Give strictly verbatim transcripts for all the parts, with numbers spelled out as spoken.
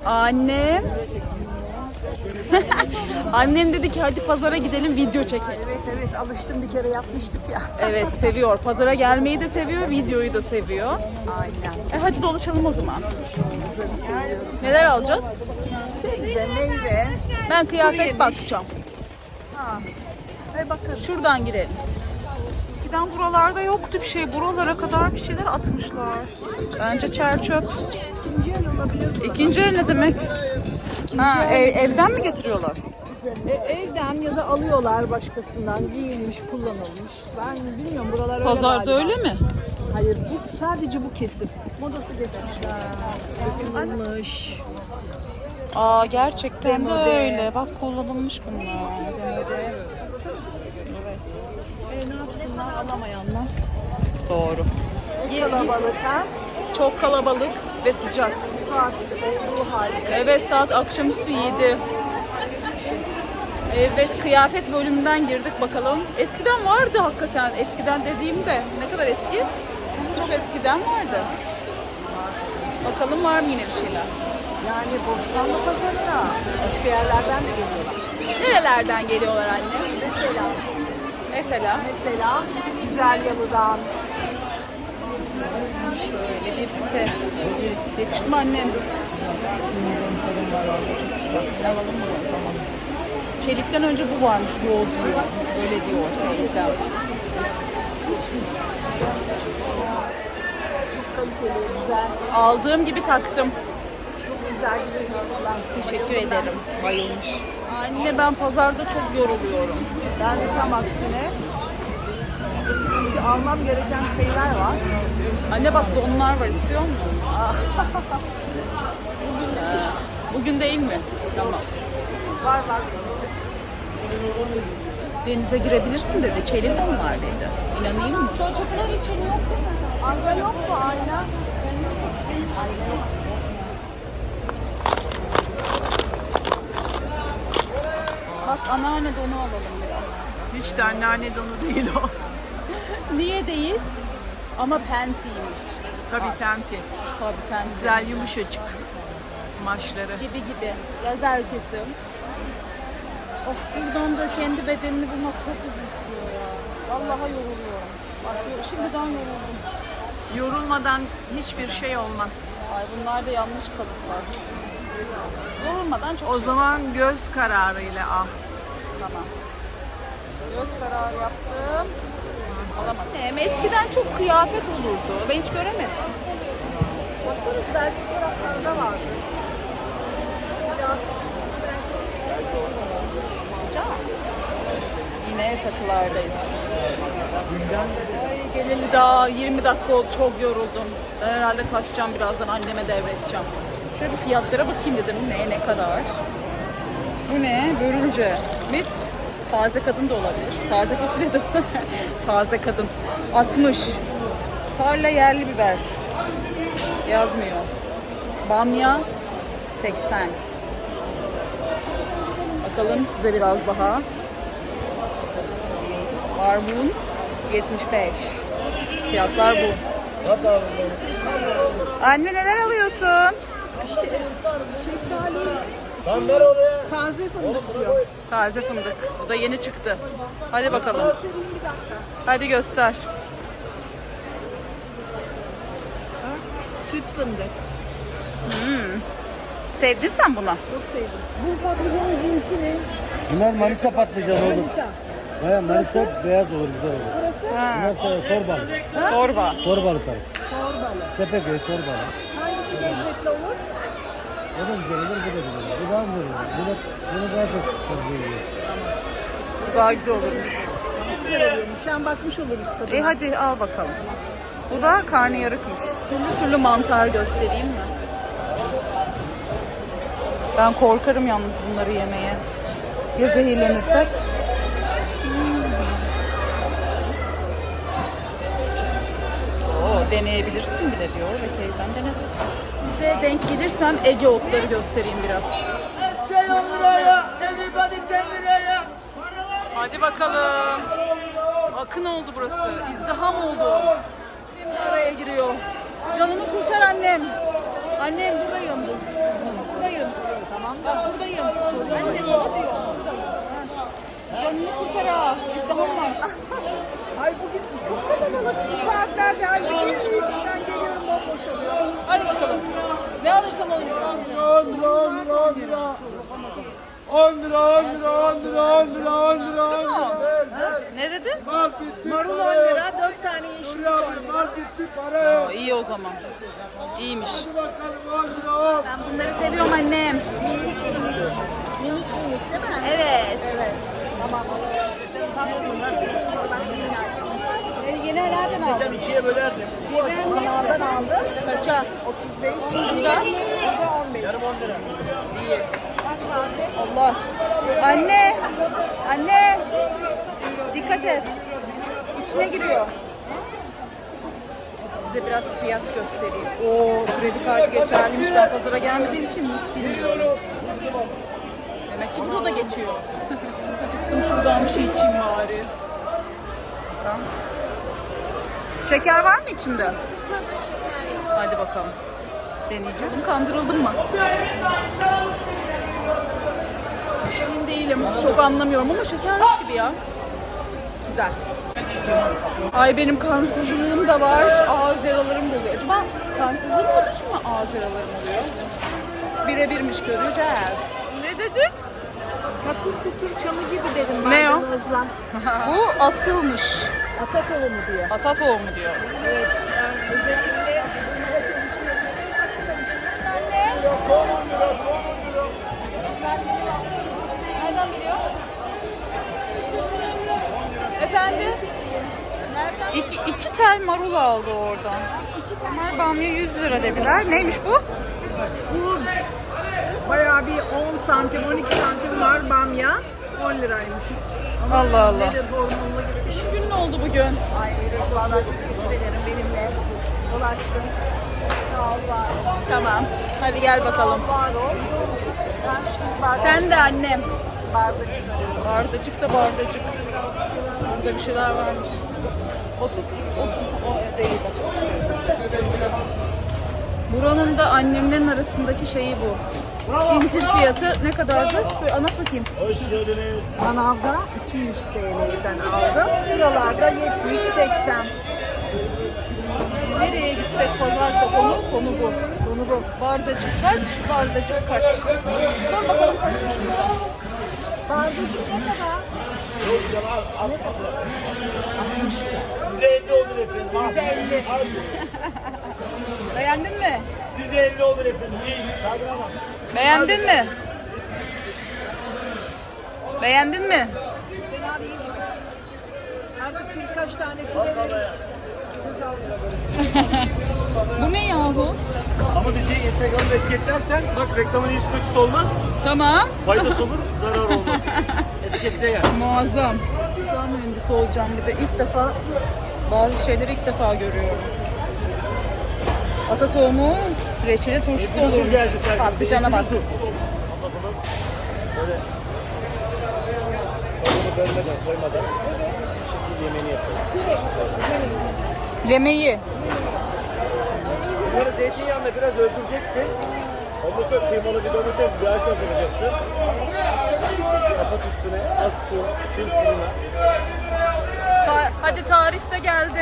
Annem. Annem dedi ki hadi pazara gidelim video çekelim. Evet evet alıştım, bir kere yapmıştık ya. Evet seviyor. Pazara gelmeyi de seviyor, videoyu da seviyor. Aynen. E hadi dolaşalım o zaman. Kızları seviyorum. Neler alacağız? Sebze, meyve. Ben kıyafet yemiş. bakacağım. Ha. Hay bakarız. Şuradan girelim. Eskiden buralarda yoktu bir şey. Buralara kadar bir şeyler atmışlar. Bence çer çöp. İkinci el olabilir. İkinci el ne demek? Ha, ev, evden mi getiriyorlar? E, evden ya da alıyorlar başkasından, giyilmiş, kullanılmış. Ben bilmiyorum, buralar öyle Pazarda galiba. öyle mi? Hayır, bu sadece bu kesim. Modası geçmişler. Kullanılmış. Aa gerçekten de Demode. öyle. Bak kullanılmış bunlar. E, ne yapsınlar alamayanlar? Doğru. Ye- Kalabalık ha? Çok kalabalık ve sıcak. Saat olduğu halde. Evet saat akşamüstü yedi. Evet kıyafet bölümünden girdik bakalım. Eskiden vardı hakikaten. Eskiden dediğimde ne kadar eski? Çok eskiden vardı. Bakalım var mı yine bir şeyler? Yani Bostanlı Pazarı'na başka yerlerden de geliyorlar. Nerelerden geliyorlar anne? Mesela, Mesela mesela Güzel Yalı'dan. şöyle bir küpe. Yakıştı mı annem? Alalım mı o zaman? Çelikten önce bu varmış yoğurt diyor. Öyle diyor teyze. Çok kaliteli, güzel. Aldığım gibi taktım. Çok güzel güzel yorumlar. Teşekkür ederim. Bayılmış. Anne ben pazarda çok yoruluyorum. Ben de tam aksine. Çünkü almam gereken şeyler var. Anne bak donlar var istiyor musun? Bugün, bugün değil mi? Tamam. Var var işte. Denize girebilirsin dedi. Çelik donlar dedi. İnanayım mı? Çocuklar için yok değil mi? Ayna yok mu ayna? Ayna yok. Bak anneanne donu alalım biraz. Hiç de anneanne donu değil o. Niye değil? Ama pentiymiş. Tabii penti. Tabii penti. Güzel yumuşacık kumaşları. Gibi gibi. Lazer kesim. Of buradan da kendi bedenini bulmak çok uzun sürüyor ya. Vallahi yoruluyorum. Bak şimdiden yoruldum. Yorulmadan hiçbir şey olmaz. Ay bunlar da yanlış kalıplar. Yorulmadan çok O şey- zaman göz kararıyla al. Tamam. Göz kararı yaptım. Alamadım. Hem eskiden çok kıyafet olurdu. Ben hiç göremedim. Bakarız belki taraflarda var. Can. Yine takılardayız. Ay, geleli daha yirmi dakika oldu. Çok yoruldum. Ben herhalde kaçacağım birazdan. Anneme devredeceğim. Şöyle bir fiyatlara bakayım dedim. Ne ne kadar? Bu ne? Börülce. Bir taze kadın da olabilir. Taze fasulye de taze kadın. altmış. Tarla yerli biber. Yazmıyor. Bamya seksen. Bakalım size biraz daha. Barbun yetmiş beş. Fiyatlar bu. Anne neler alıyorsun? Taze fındık diyor. Taze fındık. Bu da yeni çıktı. Hadi bakalım. Hadi göster. Süt fındık. Sevdin sen bunu. Çok sevdim. Bu patlıcanın cinsi ne? Bunlar Manisa patlıcanı olur. Manisa. Baya Manisa beyaz olur, güzel olur. Burası Ha, Bunlar da torbalı. torba. Torbalı tarif. torbalı. Tepeköy torbalı. Hangisi lezzetli olur? O da güzel olur, bu da güzel olur. Bu daha güzel olur. Bunu, bunu daha çok fazla yiyoruz. Bu daha güzel olurmuş. Güzel oluyormuş. Hem bakmış oluruz tadına. E hadi al bakalım. Bu da karnıyarıkmış. Türlü türlü mantar göstereyim mi? Ben korkarım yalnız bunları yemeye. Ya zehirlenirsek? Oo, deneyebilirsin bile diyor ve teyzem denedi. Size denk gelirsem Ege otları göstereyim biraz. Hadi bakalım. Akın oldu burası. İzdiham oldu. Şimdi araya giriyor. Canını kurtar annem. Annem buradayım. Buradayım. bu tarafa. İzdiham var. Ay bugün çok kalabalık bu saatlerde. Ay bugün işten geliyorum bomboş oluyor. Hadi bakalım. Ne alırsan on lira. on lira, on lira, on lira. on lira, on lira, on lira, on lira, on lira, on lira. Ne dedin? Mal bitti, Marul on para yok. lira, dört tane yeşil Nuri on abi, lira. mal bitti, para yok. Aa, iyi o zaman. İyiymiş. Hadi bakalım on lira, on. Ben bunları seviyorum annem. Minik minik değil mi? Evet. Evet. Tamam. Bak seni sevdiğim gibi ben bunu açtım. E, yeni nereden aldın? İkiye bölerdim. Manavdan aldım. Kaça? otuz beş. Bu da? Bu da on beş. Yarım on lira. İyi. Allah. Anne. Anne. Dikkat et. İçine giriyor. Size biraz fiyat göstereyim. Oo, kredi kartı geçerliymiş. Ben pazara gelmediğim için hiç bilmiyorum. Demek ki burada da geçiyor. Çok acıktım, şuradan bir şey içeyim bari. Tamam. Şeker var mı içinde? Hadi bakalım. Deneyeceğim. Kandırıldım mı? Emin değilim. Çok anlamıyorum ama şeker yok gibi ya. Güzel. Ay benim kansızlığım da var. Ağız yaralarım da oluyor. Acaba kansızlığım olduğu için mi ağız yaralarım oluyor? Birebirmiş, göreceğiz. Ne dedin? Katır kutur çamı gibi dedim Ne o? maydanozla. Bu asılmış. Ata tohumu diyor. Ata tohumu diyor. Evet. Ben özellikle bunlara çalışıyorum. Anne. Nereden biliyor? Efendim? Nereden? İki, iki tel marul aldı oradan. Mar bamya yüz lira dediler. Neymiş bu? Bu bayağı bir on santim, on iki santim var bamya. on liraymış. Allah Allah. Nedir hormonlu gibi bir şey. Gün ne oldu bugün? Ay evet valla teşekkür ederim benimle dolaştın. Sağ ol var ol. Tamam. Hadi gel bakalım. Sağ ol var ol. Ben şimdi bardak, Sen de annem. bardak çıkarıyorum. Bardacık da bardacık. Burada bir şeyler varmış. otuz, otuz, o değil. Buranın da annemlerin arasındaki şeyi bu. İncir fiyatı ne kadardı? Şöyle anlat bakayım. Hoş geldiniz. Manavda iki yüz T L'den aldım. Buralarda yetmiş seksen. Nereye gitsek pazarsa konu, konu bu. Bunu bu. Bardacık kaç, bardacık kaç. Sor bakalım kaçmış burada. Bardacık ne kadar? Size elli olur efendim. Bize elli. Beğendin mi? Size elli olur efendim. İyi. Tadına bak. Beğendin mi? Beğendin mi? Fena değil. Artık birkaç tane file verir. Göz alacağım. Bu ne yahu? Ama bizi Instagram'da etiketlersen bak reklamın iyisi kötüsü olmaz. Tamam. Faydası olur, zarar olmaz. Etiketle gel. Muazzam. Gıda mühendisi olacağım bir de ilk defa bazı şeyleri ilk defa görüyorum. Ata tohumu reçeli turşusu olurmuş. Patlıcana bak. Böyle onu bölmeden, koymadan şekil yemeğini yapalım. Lemeyi. Bunları zeytinyağında biraz öldüreceksin. Ondan sonra kıymalı bir domates, bir ağaç hazırlayacaksın. Kapat üstüne, az su, sil fırına. Ta- hadi tarif de geldi.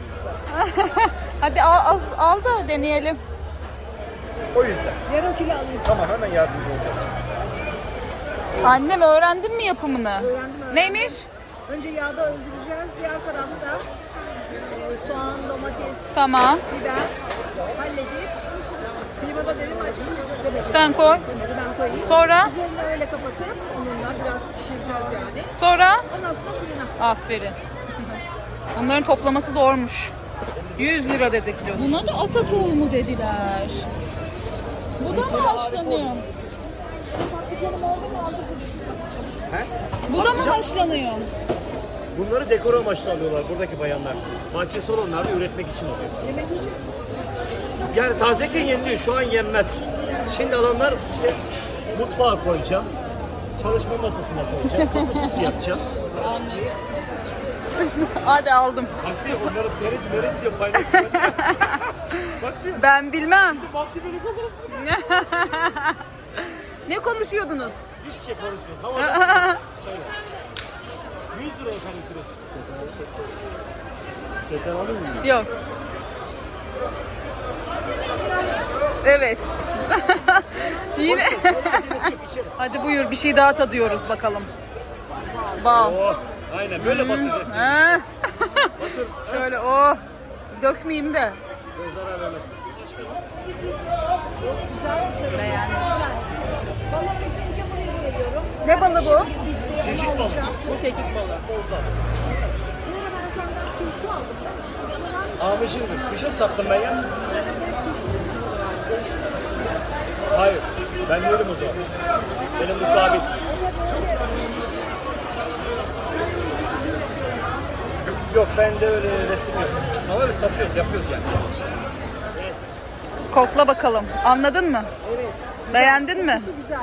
Hadi al, az, al da deneyelim. O yüzden. Yarım kilo alayım. Tamam, hemen yardımcı olacağım. Annem öğrendin mi yapımını? Öğrendim, öğrendim. Neymiş? Önce yağda öldüreceğiz. Diğer tarafta e, soğan, domates, Tamam. biber halledip kıymada dedim açık demek. Sen koy. Bunları ben koyayım. Sonra? Üzerini öyle kapatıp onunla biraz pişireceğiz yani. Sonra? Ondan sonra fırına. Aferin. Bunların toplaması zormuş. yüz lira dedik kilosu. Buna da ata tohumu dediler. Bu da mı haşlanıyor? Patlıcanım oldu mu aldık biz. He? Bu da mı haşlanıyor? Bunları dekor amaçlı alıyorlar buradaki bayanlar. Bahçesi olanlar da üretmek için alıyor. Yemek için. Yani tazeyken yeniliyor, şu an yenmez. Şimdi alanlar işte mutfağa koyacağım, çalışma masasına koyacağım, kapısız yapacağım. Hadi aldım. Bak diyor, onları meriç meriç diyor, paylaşıyor. Bak diyor, Ben bilmem. baktı beni konuşmuyor. Ne konuşuyordunuz? Hiçbir şey konuşmuyoruz. Havada çay var. yüz lira efendim kilosu. Şeker alır mı? Yok. Evet. Yine. Hadi buyur bir şey daha tadıyoruz bakalım. Bal. Oh, aynen böyle batacaksın. Ha. Batır. Şöyle oh. Dökmeyeyim de. Böyle zarar vermez. Beğenmiş. Ne balı bu? Kekik balığı. Bu kekik balı. Amışındır. Kışın sattım ben ya. Hayır. Ben değilim o zaman. Benim bu sabit. Yok bende öyle resim yok. Ama öyle satıyoruz, yapıyoruz yani. Kokla bakalım. Anladın mı? Evet. Beğendin mi? Güzel.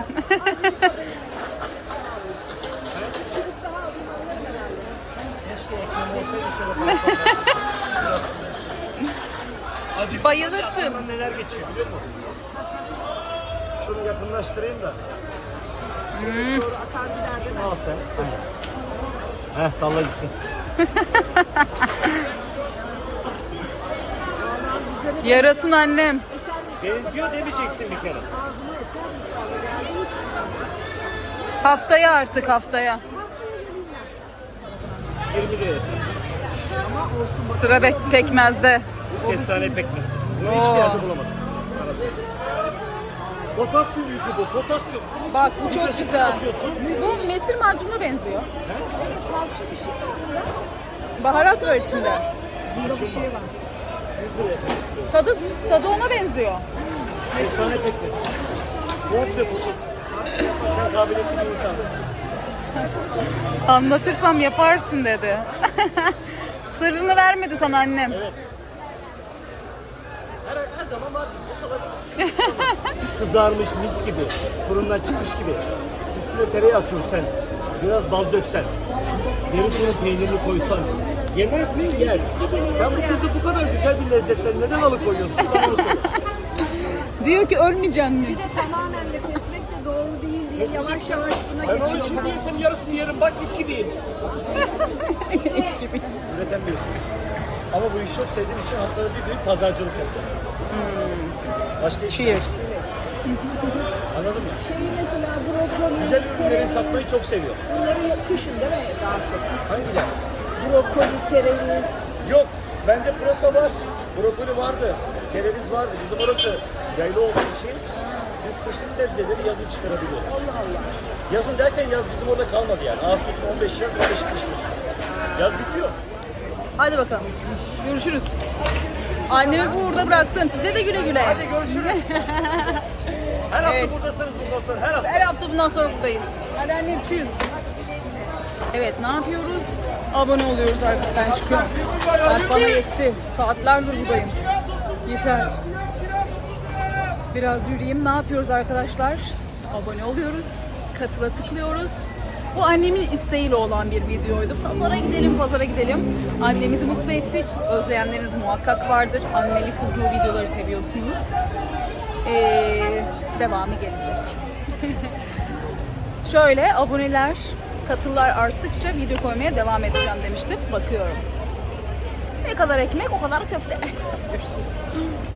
Keşke ekmeğim olsaydı şöyle fazla. Acık Bayılırsın. aklımdan neler geçiyor biliyor musun? Şunu yakınlaştırayım da. Doğru akar gider değil mi? Şunu al sen. Heh salla gitsin. Yarasın annem. Benziyor demeyeceksin bir kere. Ağzıma eser mi? Geldiği için. Haftaya artık haftaya. Haftaya geleyim yirmi ben. lira. Ama olsun. Sıra bek pekmezde. Kestane pekmezi. Bunu hiçbir yerde bulamazsın. Potasyum yükü bu, potasyum. Bak bu çok kaşık güzel. atıyorsun. Bu mesir macununa benziyor. Evet, parça bir şey var bunda. Baharat var içinde. Bunda bir şey var. yüz lira efendim. Tadı tadı ona benziyor. Kestane pekmezi. Komple potasyum. Sen kabiliyetli bir insansın. Anlatırsam yaparsın dedi. Sırrını vermedi sana annem. Evet. Her, her zaman var bizde kalabilirsin. Kızarmış mis gibi, fırından çıkmış gibi. Üstüne tereyağı sürsen, biraz bal döksen, derin peynirini koysan, yemez mi? Yer. Sen bu kızı bu kadar güzel bir lezzetten neden alıkoyuyorsun? Bana onu söyle. Diyor ki ölmeyeceksin mi? Bir de tamamen de kesmek de doğru değil diye yavaş yavaş buna Ben onu geçiyor. şimdi yesem yarısını yerim, bak ip gibiyim. Üreten bir isim. Ama bu işi çok sevdiğim için haftada bir büyük pazarcılık yapacağım. Başka iş yok. Cheers. Anladın mı? Şeyi mesela brokoli, Güzel ürünleri satmayı çok seviyor. bunları kışın değil mi daha çok? Hangiler? Brokoli, kereviz. Yok, bende pırasa var, brokoli vardı, kereviz vardı. Bizim orası yaylı olduğu için biz kışlık sebzeleri yazın çıkarabiliyoruz. Allah Allah. Yazın derken yaz bizim orada kalmadı yani. Ağustos on beş yaz, on beş kışlık. Yaz bitiyor. Hadi bakalım. Görüşürüz. Annemi burada bıraktım. Size de güle güle. Hadi görüşürüz. Her hafta Evet. buradasınız bundan sonra, her hafta. Her hafta bundan sonra buradayız. Hadi annem cheers. Evet ne yapıyoruz? Abone oluyoruz artık. Ben çıkıyorum. Artık bana yetti. Saatlerdir buradayım. Yeter. Biraz yürüyeyim. Ne yapıyoruz arkadaşlar? Abone oluyoruz. Katıla tıklıyoruz. Bu annemin isteğiyle olan bir videoydu. Pazara gidelim, pazara gidelim. Annemizi mutlu ettik. Özleyenleriniz muhakkak vardır. Anneli kızlı videoları seviyorsunuz. Ee, devamı gelecek. Şöyle aboneler, katıllar arttıkça video koymaya devam edeceğim demiştim. Bakıyorum. Ne kadar ekmek o kadar köfte. Görüşürüz.